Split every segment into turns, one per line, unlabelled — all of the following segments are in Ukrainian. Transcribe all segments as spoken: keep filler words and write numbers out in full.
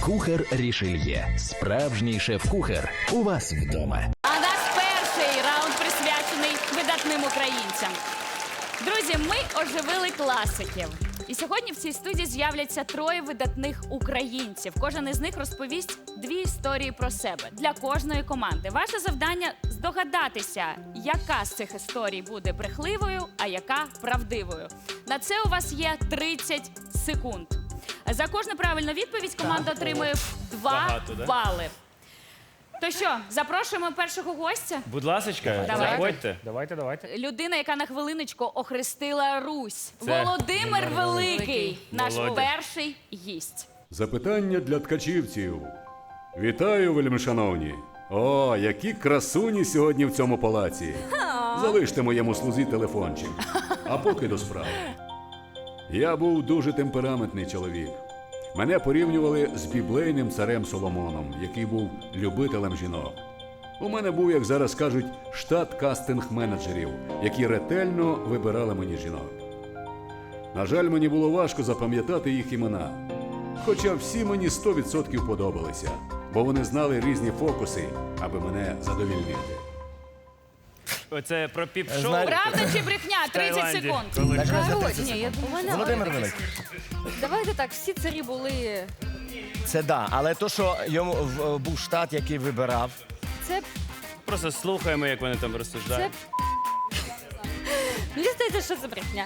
Кухар Рішельє. Справжній шеф-кухар у вас вдома.
А наш перший раунд присвячений видатним українцям. Друзі, ми оживили класиків. І сьогодні в цій студії з'являться троє видатних українців. Кожен із них розповість дві історії про себе для кожної команди. Ваше завдання – здогадатися, яка з цих історій буде брехливою, а яка правдивою. На це у вас є тридцять секунд. За кожну правильну відповідь команда отримує два
Багато, да?
бали. То що, запрошуємо першого гостя?
Будь ласочка,
Давайте.
заходьте.
Давайте, давайте.
Людина, яка на хвилиночку охрестила Русь.
Це
Володимир Великий, наш
Володя.
перший гість.
Запитання для ткачівців. Вітаю, вельмишановні. О, які красуні сьогодні в цьому палаці. Залиште моєму слузі телефончик. А поки до справи. Я був дуже темпераментний чоловік. Мене порівнювали з біблейним царем Соломоном, який був любителем жінок. У мене був, як зараз кажуть, штат кастинг-менеджерів, які ретельно вибирали мені жінок. На жаль, мені було важко запам'ятати їх імена. Хоча всі мені сто відсотків подобалися, бо вони знали різні фокуси, аби мене задовільнити.
Оце про піп-шоу.
Знаєте-
Правда чи брехня? тридцять
Таїланді.
секунд.
Коли-
Коротше,
Ні, я думаю,
Володимир Великий.
давайте так, всі царі були.
Це да, але то, що йому в- був штат, який вибирав.
Це,
Просто слухаємо, як вони там
це...
розсуждають.
Мені здається, що це брехня.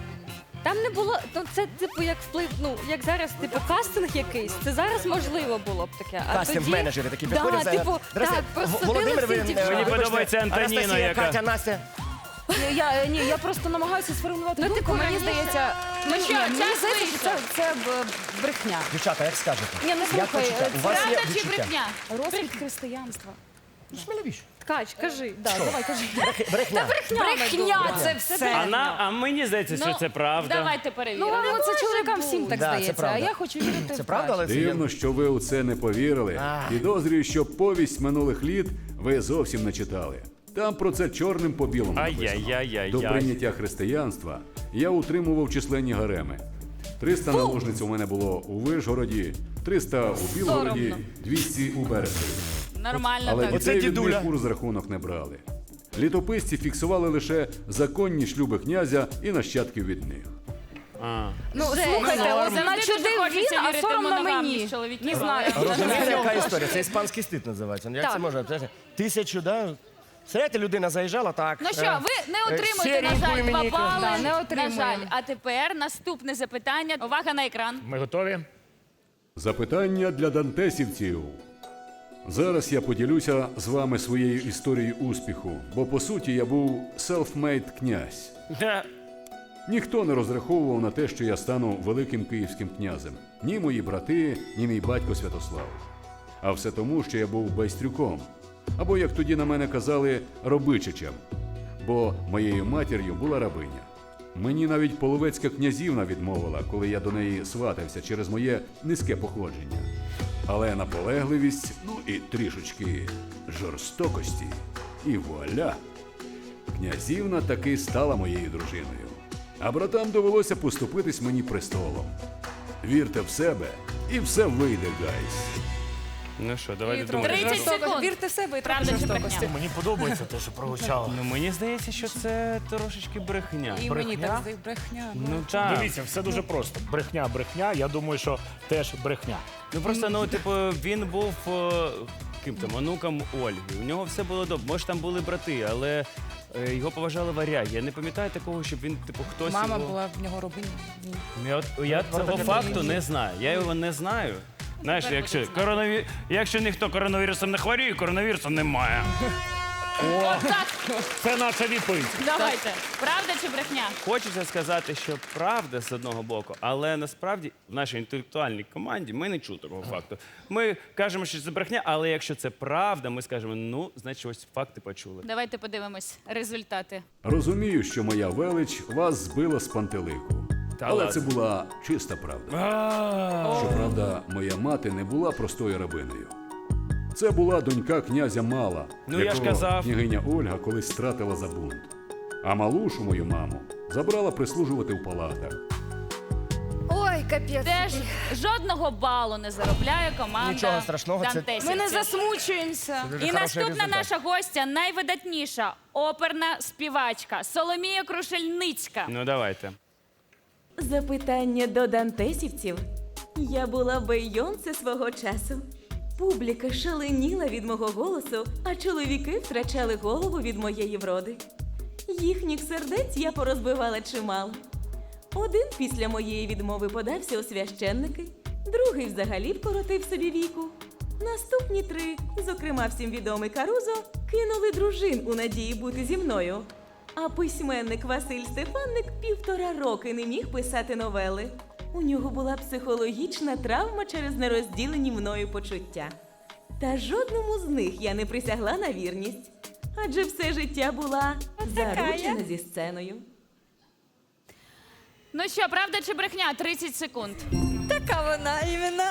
Там не було, ну це типу як вплив, ну як зараз, типу кастинг якийсь. Це зараз можливо було б таке. А
Кастинг-менеджери такі приходять.
Да,
зараз.
типу,
Здрасте,
так, просто
Володимир, ви,
всі ті
е,
дівчата.
Мені
вибачте,
подобається Антоніна,
Анастасія,
яка-
Катя, Настя.
Ні, я, ні, я просто намагаюся сформулювати
Ну,
думку.
типу,
Мені
раніше-
здається,
Ну
мені,
що,
ні, мені
час
здається, що це,
вийшов.
це б- брехня.
Дівчата, як скажете?
Ні, ну,
Як
слухай,
почуття? У вас є
Правда чи
відчуття?
брехня?
Розквіт християнства.
Сміливіше.
Ткач, кажи.
Да, давай, кажи.
Брех- Брехня.
Брехня це все.
А, на, а мені здається, що
Ну,
це правда.
Давайте
Ну,
перевіримо.
вам це чоловікам всім так
Да, це
здається, а
правда.
я хочу вірити
Це
в
правда, але це є-
Дивно, що ви у це не повірили.
А.
Підозрюю, що повість минулих літ ви зовсім не читали. Там про це чорним по білому написано.
Ай-яй-яй-яй-яй.
До прийняття християнства я утримував численні гареми. триста наложниць у мене було у Вишгороді, триста у Білгороді,
Соромно.
двісті у Березові.
Нормально
Але
так.
дітей від
дідуля.
них у розрахунок не брали. Літописці фіксували лише законні шлюби князя і нащадків від них.
А.
Ну,
Це
слухайте,
норм.
от
Завжди
начудив
дуже хочеться
він, а
вірити в
соромно
моногамність
мені.
чоловіків.
Не знаю.
Розумієте, яка історія? Це іспанський стиль називається. Як
Так.
це може? Це ж Тисячу, да? Знаєте, людина заїжджала так.
Ну що,
е,
ви не
е,
отримуєте, на
сіреньку
жаль, два
мені-
бали.
Да, не
На
отримуємо.
жаль. А тепер наступне запитання. Увага на екран.
Ми готові?
Запитання для дантесівців. Зараз я поділюся з вами своєю історією успіху, бо по суті я був self-made князь.
Ха.
Ніхто не розраховував на те, що я стану великим київським князем. Ні мої брати, ні мій батько Святослав. А все тому, що я був байстрюком. Або, як тоді на мене казали, робичичем. Бо моєю матір'ю була рабиня. Мені навіть половецька князівна відмовила, коли я до неї сватався через моє низьке походження. Але наполегливість, ну і трішечки жорстокості. І вуаля! Князівна таки стала моєю дружиною. А братам довелося поступитись мені престолом. Вірте в себе, і все вийде, гайс.
Ну що, давайте думати.
тридцять секунд.
Вірте в себе і трохи
Правда чи
жорстокості.
брехня?
Мені подобається те, що прозвучало.
Ну мені здається, що це трошечки брехня.
І мені так здається, брехня.
Ну так.
Дивіться, все дуже просто. Брехня, брехня. Я думаю, що теж брехня.
Ну просто, ну, типу, він був е, ким там, онуком Ольги. У нього все було добре. Може, там були брати, але е, його поважали варяги. Я не пам'ятаю такого, щоб він, типу, хтось.
Мама
його...
була в нього рабиня. Ні.
Я, от, я цього факту не знаю. Я його не знаю. Знаєш,
Тепер
якщо,
будемо
коронаві... якщо ніхто коронавірусом не хворіє, коронавірусу немає.
Отак.
Це наша відповідь.
Давайте. Правда чи брехня?
Хочеться сказати, що правда з одного боку, але насправді в нашій інтелектуальній команді ми не чули такого факту. Ми кажемо, що це брехня, але якщо це правда, ми скажемо, ну, значить, ось факти почули.
Давайте подивимось результати.
Розумію, що моя велич вас збила з пантелику.
Та
Але
ладно.
це була чиста правда. Щоправда, моя мати не була простою рабиною. Це була донька князя Мала,
Ну, я ж
якого
казав.
княгиня Ольга колись стратила за бунт. А малушу мою маму забрала прислужувати в палатах.
Ой, капець.
Теж жодного балу не заробляє команда
Нічого страшного, це-
дантесівців.
Ми не засмучуємося.
Дуже
І
хороший
наступна
результат.
наша гостя найвидатніша оперна співачка Соломія Крушельницька.
Ну давайте.
Запитання до дантесівців. Я була Бейонсе свого часу. Публіка шаленіла від мого голосу, а чоловіки втрачали голову від моєї вроди. Їхніх сердець я порозбивала чимало. Один після моєї відмови подався у священники, другий взагалі вкоротив собі віку. Наступні три, зокрема всім відомий Карузо, кинули дружин у надії бути зі мною. А письменник Василь Стефанник півтора роки не міг писати новели. У нього була психологічна травма через нерозділені мною почуття. Та жодному з них я не присягла на вірність, адже все життя була заручена зі сценою.
Ну що, правда чи брехня? тридцять секунд.
Така вона іменно.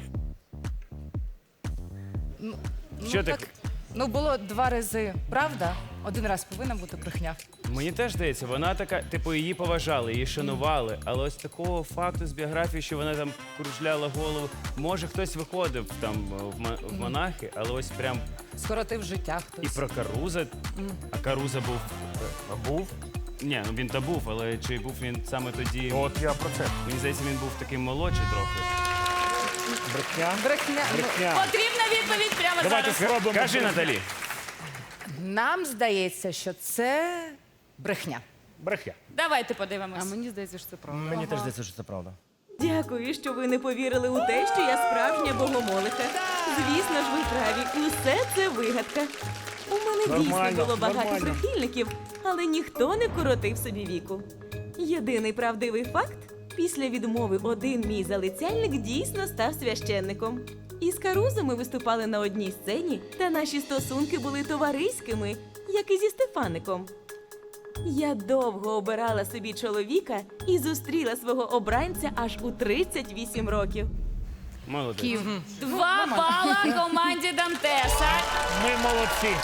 Що ти?
так, ну було два рази правда, один раз повинна бути брехня.
Мені теж здається, вона така, типу, її поважали, її шанували, але ось такого факту з біографії, що вона там кружляла голову. Може, хтось виходив там в, ма- в монахи, але ось прям
Скоротив життя
і
хтось.
про Каруза. А Каруза був.
А був?
Ні, ну він та був, але чи був він саме тоді?
От я про це.
Мені здається, він був такий молодший трохи.
Брехня.
Брехня. ну,
Брехня.
Потрібна відповідь прямо
Давайте
зараз.
спробуємо.
Кажи, Наталі.
Нам здається, що це брехня.
Брехня.
Давайте подивимось.
А мені здається, що це правда.
Мені теж здається, що це правда.
Дякую, що ви не повірили у те, що я справжня богомолиха. Звісно ж, ви праві. Усе це вигадка. У мене
Нормально,
дійсно було багато
нормально.
прихильників, але ніхто не коротив собі віку. Єдиний правдивий факт – після відмови один мій залицяльник дійсно став священником. Із Карузо ми виступали на одній сцені, та наші стосунки були товариськими, як і зі Стефаником. Я довго обирала собі чоловіка і зустріла свого обранця аж у тридцять вісім років.
Молодець.
Два бала команді Дантеса.
Ми молодці.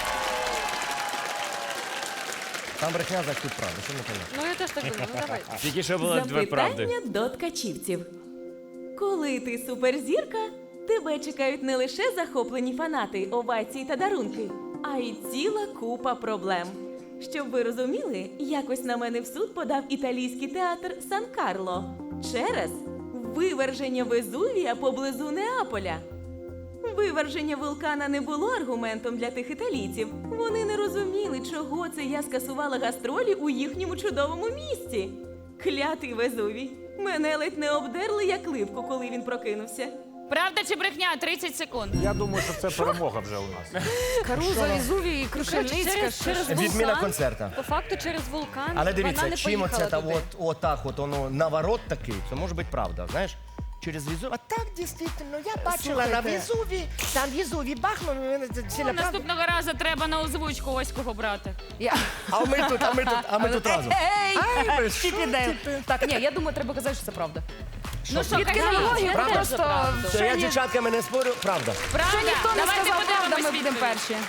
Там брехня, значить тут правда. Що не понятно?
Ну я теж так думаю, ну давай.
Тільки що було дві правди.
Запитання до ткачівців. Коли ти суперзірка, тебе чекають не лише захоплені фанати, овації та дарунки, а й ціла купа проблем. Щоб ви розуміли, якось на мене в суд подав італійський театр Сан-Карло через виверження Везувія поблизу Неаполя. Виверження вулкана не було аргументом для тих італійців. Вони не розуміли, чого це я скасувала гастролі у їхньому чудовому місті. Клятий Везувій. Мене ледь не обдерли як липку, коли він прокинувся.
Правда чи брехня? тридцять секунд.
Я думаю, що це перемога вже у нас.
Каруза, Ізуві і Крушельницька.
Через,
що
через
ж.
Відміна
вулкан,
концерта.
по факту через вулкан,
Але
вона
дивіться,
не
чим
поїхала
оце та
туди.
от, отак от воно наворот такий, це може бути правда, знаєш? Через Везуві. А так, дійсно, я бачила на Везуві, там Везуві бахнув, це
Ну,
ціла правда.
наступного разу треба на озвучку ось кого брати.
Я...
А ми тут, а ми тут, а ми тут разом.
Ей!
Ай, ви що?
Чіпідейл. Так, ні, я думаю, треба казати, що це правда.
Ну що,
Від
кажіть,
кінології
це
правда?
теж
просто
правда.
Що я з
ні-
дівчатками не спорю, правда.
Правда?
Що ніхто не
Давайте
сказав правда, ми
подивимось
будемо
відповідь.
перші.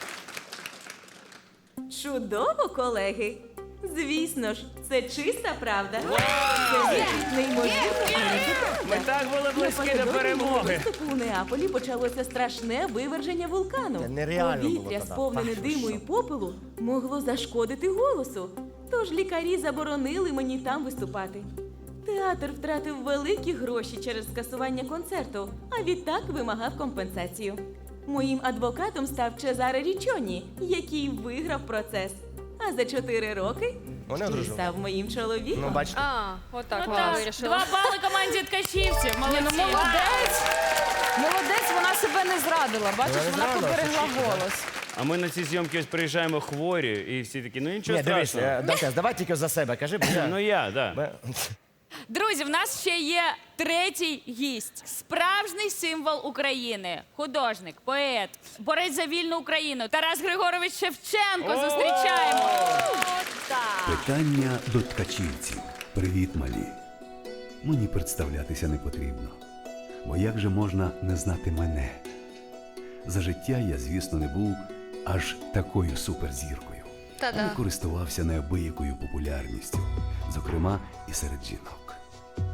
Чудово, колеги! Звісно ж, це чиста правда. Це неймовірно.
Ми так були близькі до
Напередодні мого
перемоги.
виступу у Неаполі почалося страшне виверження вулкану.
Це нереально було
Повітря,
тоді.
сповнене
Ах,
диму
що?
і попелу, могло зашкодити голосу. Тож лікарі заборонили мені там виступати. Театр втратив великі гроші через скасування концерту, а відтак вимагав компенсацію. Моїм адвокатом став Чезаре Річоні, який виграв процес. А за чотири роки
Вони
ще й
одружили.
став моїм чоловіком.
Ну, бачите.
А, отак
Ну
вона
так,
вирішила.
два бали команді ткачівців.
Ні,
Молодці.
ну молодець. Молодець, вона себе не зрадила. Бачиш,
Вона не
вона
зрадила,
поберегла
це чітко,
голос.
А ми на ці зйомки ось приїжджаємо хворі, і всі такі, ну нічого
Ні, дивись,
страшного.
е, Дантес, давай тільки за себе, кажи, бо я...
Ну я, да.
Бе-
Друзі, в нас ще є третій гість. Справжній символ України. Художник, поет, борець за вільну Україну. Тарас Григорович Шевченко. Зустрічаємо.
Питання до ткачівців. Привіт, малі. Мені представлятися не потрібно. Бо як же можна не знати мене? За життя я, звісно, не був аж такою суперзіркою.
Та-да.
Але користувався неабиякою популярністю, зокрема і серед жінок.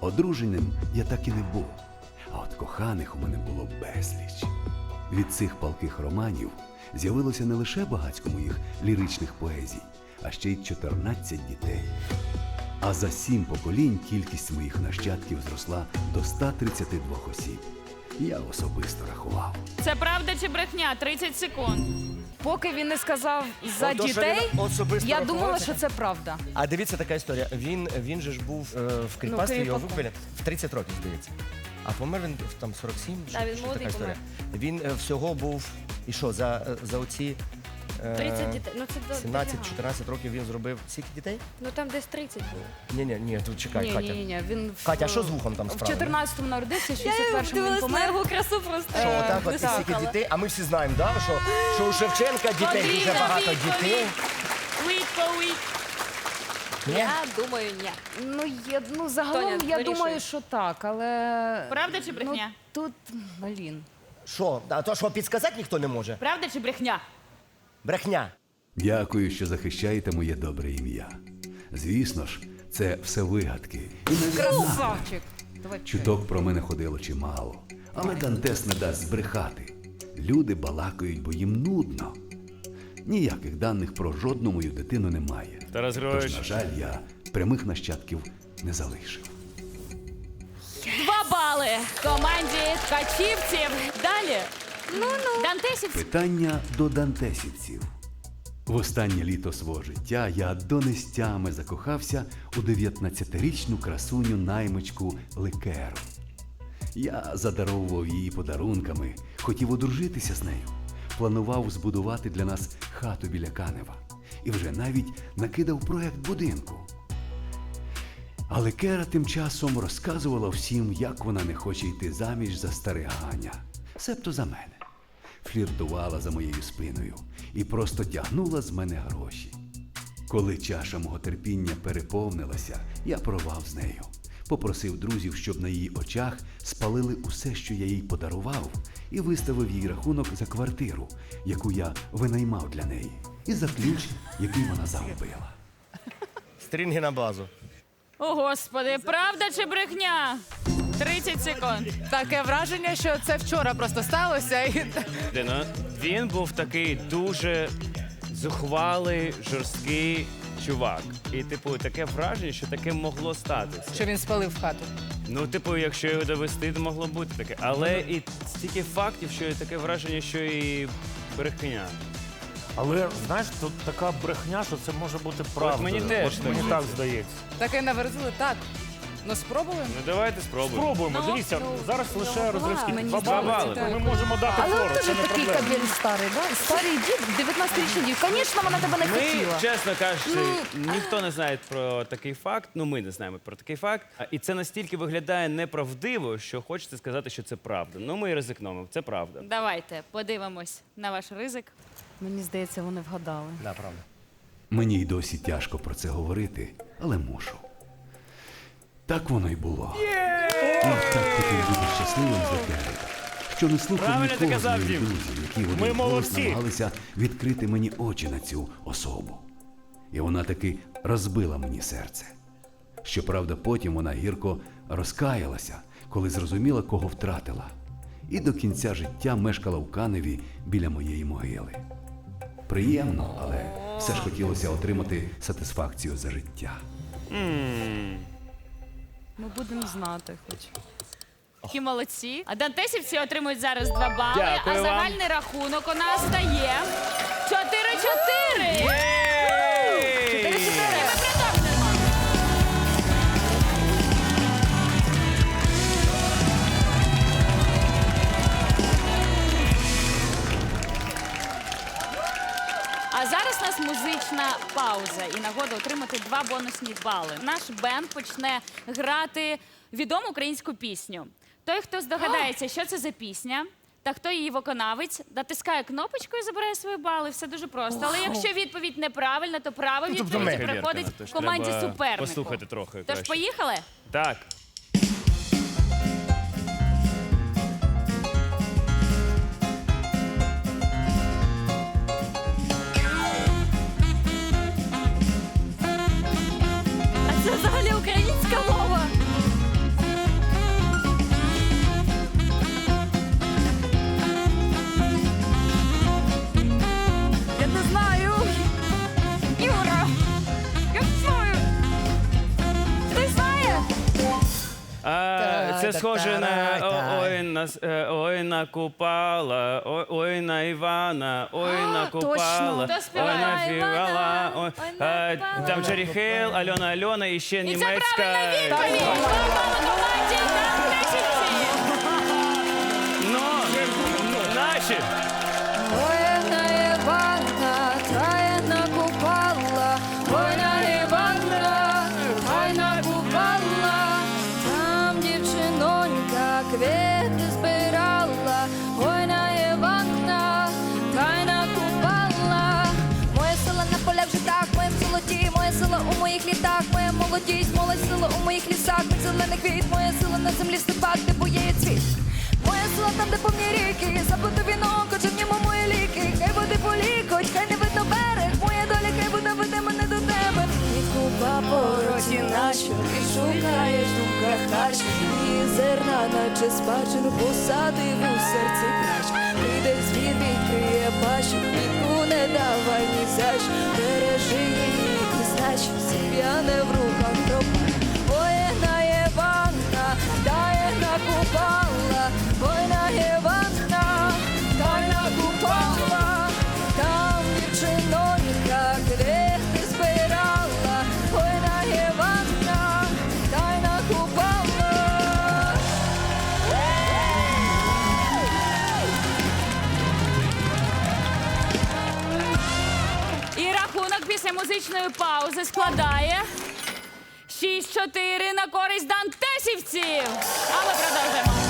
Одруженим я так і не був, а от коханих у мене було безліч. Від цих палких романів з'явилося не лише багатько моїх ліричних поезій, а ще й чотирнадцять дітей. А за сім поколінь кількість моїх нащадків зросла до ста тридцяти двох осіб. Я особисто рахував.
Це правда чи брехня? тридцять секунд.
Поки він не сказав за
Ото, що
дітей,
він особисто
я
рахував,
думала,
це-
що це правда.
А дивіться така історія. Він, він же ж був е, в кріпацтві, його
кріпаком.
вибили в тридцять років, здається. А помер він в там сорок сім,
Да,
що,
він
що
молодий
така історія. Він е, всього був, і що, за, е, за оці е,
тридцять дітей. Ну це до-
сімнадцять чотирнадцять років він зробив скільки дітей?
Ну там десь тридцять було.
Ні, ні, ні, тут чекай,
Ні,
Катя.
ні, ні, він в-
Катя, а що з вухом там
в
справа?
чотирнадцятому народився, в
Я
шістдесят першому він
дивилась на
помер.
його красу просто.
Що
Е,
отак от і
високала.
стільки дітей, а ми всі знаємо, да, що, що у Шевченка дітей дуже
Потрібно
багато
відповідь.
дітей.
Відповідь.
Ні?
Я думаю, ні.
Ну, я, ну загалом
Тоня,
я
вирішуй.
думаю, що так, але...
Правда чи брехня?
Ну, тут, блін.
Що? А то що підсказати ніхто не може?
Правда чи брехня?
Брехня.
Дякую, що захищаєте моє добре ім'я. Звісно ж, це все вигадки. І навіть
Красавчик. Давай
чуток про мене ходило чимало. Але Дантес не дасть збрехати. Люди балакають, бо їм нудно. Ніяких даних про жодну мою дитину немає.
Тарас
Тож,
Григорович.
на жаль, я прямих нащадків не залишив.
Два бали команді ткачівців. Далі. Ну, ну. Дантесівці.
Питання до дантесівців. В останнє літо свого життя я до нестями закохався у дев'ятнадцятирічну красуню наймичку Ликеру. Я задаровував її подарунками, хотів одружитися з нею, планував збудувати для нас хату біля Канева і вже навіть накидав проект будинку. Але Кера тим часом розказувала всім, як вона не хоче йти заміж за стариганя, себто за мене. Фліртувала за моєю спиною і просто тягнула з мене гроші. Коли чаша мого терпіння переповнилася, я порвав з нею. Попросив друзів, щоб на її очах спалили усе, що я їй подарував, і виставив їй рахунок за квартиру, яку я винаймав для неї, і за ключ, який вона загубила.
Стрінги на базу.
О, Господи, правда чи брехня? тридцять секунд.
Таке враження, що це вчора просто сталося. І...
Дина, він був такий дуже зухвалий, жорсткий чувак. І, типу, таке враження, що таке могло статися.
Що він спалив хату.
Ну, типу, якщо його довести, то могло бути таке. Але і стільки фактів, що і таке враження, що і брехня.
Але знаєш, тут така брехня, що це може бути правда.
мені теж
От
так
мені
здається.
так здається.
Таке наверзили, так. Ну, спробуємо.
Ну, давайте спробуємо.
Спробуємо.
Ну,
Дивіться,
ну,
зараз
ну,
лише
два.
розривські
Мені
два
здається,
бали.
так.
Ми можемо дати
Але
фору,
він
це
теж
не
такий
проблема.
кабель старий, да? Старий дід, дев'ятнадцятирічний дід. Звісно, вона тебе не
Ми,
хотіла.
чесно кажучи, ніхто не знає про такий факт. Ну, ми не знаємо про такий факт. А, І це настільки виглядає неправдиво, що хочеться сказати, що це правда. Ну, ми і ризикнемо. Це правда.
Давайте подивимось на ваш ризик.
Мені здається, вони вгадали.
Да, правда.
Мені й досі тяжко про це говорити, але мушу. Так воно й було. Я так хотів бути щасливим за Кери, що не слухав
Правильно ти
нікого з
казав,
моїх
Дім.
друзів, які в
Ми
один голос
молодці.
намагалися відкрити мені очі на цю особу. І вона таки розбила мені серце. Щоправда, потім вона гірко розкаялася, коли зрозуміла, кого втратила. І до кінця життя мешкала в Каневі біля моєї могили. Приємно, але все ж хотілося отримати сатисфакцію за життя.
Ми будемо знати хоч.
Які молодці. А дантесівці отримують зараз два бали,
Дякую
а
вам.
загальний рахунок у нас стає чотири-чотири.
Єй!
чотири-чотири. Ми продовжуємо. А зараз у нас музична пауза і нагода отримати два бонусні бали. Наш бенд почне грати відому українську пісню. Той, хто здогадається, що це за пісня, та хто її виконавець, натискає кнопочку і забирає свої бали. Все дуже просто. Але якщо відповідь неправильна, то право
тобто
відповіді
ми.
приходить
Тож
команді
треба
супернику.
послухати трохи
Тож
краще.
поїхали?
Так.
А це взагалі українська мова.
Це схоже на о- ой на с- е, ой на Купала, ой, ой на Івана, ой на Купала,
Хто
ой
співає?
на Фівала, ой,
Ой на
е, там Джері Хейл, Альона Альона і ще
І це
німецька.
правильна відповідь! Два бали команді Дантесівців!
Ну, наші.
Ой, на Івана, трає на Купала, ой, на Івана, ой, на Купала, там дівчинонька квіти збирала, ой, на Івана, трає на Купала. Моє село на полях житах, моєм золоті, моє село у моїх літах, моя молодість, моє село у моїх лісах, мій зелений квіт, моє село на землі в степах, де буєє цвіт. Моє село там, де повні ріки, забуду вінок, хоча в ньому мої ліки. Хай води полікоть, хай не видно берег, моя доля, хай вода веде мене до тебе. І купа пороті нащо, ти шукаєш в думках харч, і зерна, наче спадщину, посадив у серці крач. Прийде звір, відкриє пащу, квітку не давай ні за що, бережи її, ти знач, сім'я не в руках тропа. Ой, на Єванна, дає на Купала, ой, на Єванна, дай на Купала, там дівчинонька квіти збирала, ой, на Єванна, дай на Купала.
І рахунок після музичної паузи складає шість чотири на користь дантесівців. А ми продовжуємо.